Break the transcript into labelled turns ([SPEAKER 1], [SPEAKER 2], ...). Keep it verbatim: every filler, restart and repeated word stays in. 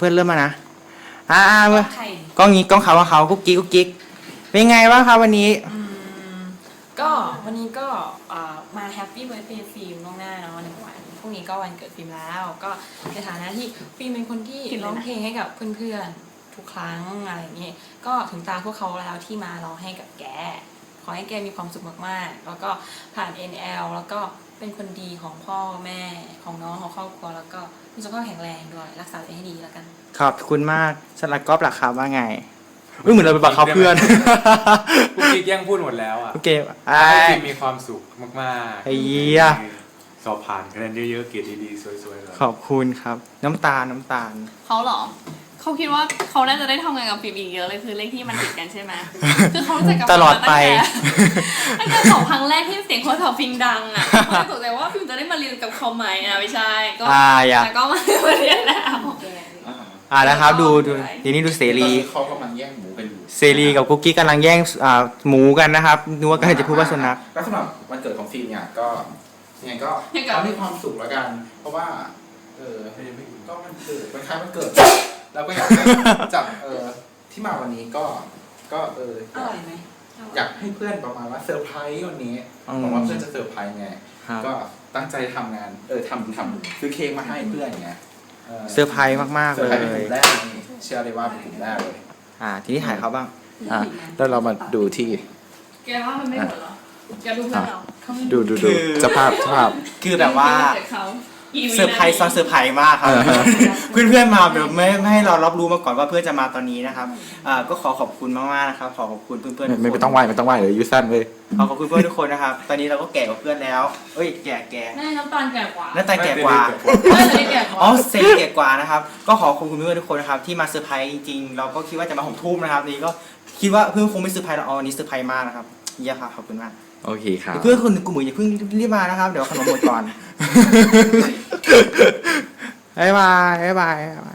[SPEAKER 1] พื่อนเริ่มมานะอ่าเมื่อ
[SPEAKER 2] ใคร
[SPEAKER 1] กล้องนี้กล้องเขาว่าเขากุ๊กกิ๊กกุ๊กกิ๊กเป็นไงบ้างครับวันนี้
[SPEAKER 2] อืมก็วันนี้ก็เอ่อมาแฮปปี้เบิร์ธเดย์ฟิล์มล่วงหน้าเนาะหนึ่งวันพรุ่งนี้ก็วันเกิดฟิล์มแล้ว ก็ในฐานะที่ฟิล์มเป็นคนที่ร้องเพลงให้กับเพื่อนๆทุกครั้งอะไรอย่างนี้ก็ถึงตาพวกเขาแล้วที่มาร้องให้กับแกขอให้แกมีความสุขมากๆแล้วก็ผ่าน เอ็น แอล แล้วก็เป็นคนดีของพ่อแม่ของน้องของครอบครัวแล้วก็มีสุขภาพแข็งแรงด้วยรักษาตัวเองให้ดีแล้วกัน
[SPEAKER 1] ขอบคุณมากสำหรับก๊อฟหลักครับว่าไงอุ้ยเหมือนเราไปบังคับเพื่อน
[SPEAKER 3] กุ๊กกิ๊กแย่งพูดหมดแล้วอ่ะ
[SPEAKER 1] โอเค
[SPEAKER 3] ให้
[SPEAKER 1] ไอ้
[SPEAKER 3] ฟิล์มมีความสุขมากๆ
[SPEAKER 1] ไอ้เหี้ย
[SPEAKER 3] สอบผ่านคะแนนเยอะๆเกรดดีๆสวยๆเลย
[SPEAKER 1] ขอบคุณครับ น้ำตาลน้ำตาล
[SPEAKER 4] เขาเหรอ เขาคิดว่าเขาน่าจะได้ทำงานกับฟิล์มอีกเยอะเลยคือเลขที่มันติดกันใช่ไหม คือเขารู้จักกับ
[SPEAKER 1] ตลอดไป
[SPEAKER 4] ตั้งแต่สองครั้งแรกที่เสียงโทรศัพท์ฟิล์มดังอ่ะเขาสงสัยว่าฟิล์มจะได้มาเรียนกับเขาไหมอ่ะไม่ใช่ก็
[SPEAKER 1] อ่าอย่า
[SPEAKER 4] แต่ก็มาเรียนแล้ว
[SPEAKER 1] อ่านะครับดูดูทีนี้ดูเสรี
[SPEAKER 5] เขากำลังแย่งหมูกันอยู่
[SPEAKER 1] เสรีกับกุ๊กกี้กำลังแย่งอ่าหมูกันนะครับนึกว่ากำลังจะพูดว่าสุนัข
[SPEAKER 5] แล้วสำหรับวันเกิดของฟิล์มเนี่ยก็ยังไงก็เขามีความสุขแล้วกัน เพราะว่าเออก็มันเกิดมันคล้ายมันเกิดเราก็อยากให้จากเออที่มาวันนี้ก็ก็เออ
[SPEAKER 2] อร่อยไหม
[SPEAKER 5] อยากให้เพื่อนประมาณว่าเซอร์ไพรส์วันนี้
[SPEAKER 1] อืม
[SPEAKER 5] บอกว่าเพื่อนจะเซอร์ไพรส์ไง
[SPEAKER 1] ครับ
[SPEAKER 5] ก็ตั้งใจทำงานเออทำทำซื้อเค้กมาให้เพื่อนไง
[SPEAKER 1] เซอร์ไพรส์มากๆ
[SPEAKER 5] เซอ
[SPEAKER 1] เล
[SPEAKER 5] ร์ไพรส์เป็นก
[SPEAKER 1] ย
[SPEAKER 5] ลุ่มแรกนี่เชื่อเลยว่าเป็นกลุ่มแรกเลย
[SPEAKER 1] อ่าทีนี้ถ่ายเขาบ้าง
[SPEAKER 5] อ่ะแล้วเรามาดูที่
[SPEAKER 4] แกว่ามันไม่หมดเหรอแกดูเพื่อนเราเขาไม่
[SPEAKER 5] ดูดู
[SPEAKER 1] คื
[SPEAKER 5] ดู
[SPEAKER 1] อ
[SPEAKER 5] สภาพสภาพ
[SPEAKER 1] คือแบบว่า
[SPEAKER 4] เกิดเขาอีวิ
[SPEAKER 1] เซอร์ไพรส์ซ้อนเซอร์ไพรส์มากครับ
[SPEAKER 5] เออ
[SPEAKER 1] เพื่อนๆมาแบบไม่ไม่ให้เรารับรู้มาก่อนว่าเพื่อนจะมาตอนนี้นะครับอ่าก็ขอขอบคุณมากๆนะครับขอขอบคุณเพื่อนๆทุกคน
[SPEAKER 5] ไม่ไม่ต้องไหวไม่ต้องไหวเลยยูสั้นเลย
[SPEAKER 1] ขอขอบคุณเพื่อนทุกคนนะครับ ตอนนี้เราก็แก่กว่าเพื่อนแล้ว เอ้ยแก่แก่
[SPEAKER 4] แม่น้ำตาลแก่กว่า
[SPEAKER 1] หน้าตาแก่กว่า
[SPEAKER 4] แม่จะได้แก่กว่า
[SPEAKER 1] อ๋อเซนแก่กว่านะครับ ก็ขอขอบคุณเพื่อนๆทุกคนนะครับที่มาเซอร์ไพรส์จริงๆ เราก็คิดว่าจะมาหกทุ่มนะครับนี่ก็คิดว่าเพื่อนคงไม่เซอร์ไพรส์เราอ๋อวันนี้เซอร์ไพรส์มากนะครับเยี่ยมครับขอบคุณมาก
[SPEAKER 5] โอเคครับ
[SPEAKER 1] เพื่อนคนกลุ่มอื่นอย่าเพิ่งรีบมานะครับ เดี๋ยวขนมหมดก่อน บ๊ายบายบ๊ายบายบ๊ายบาย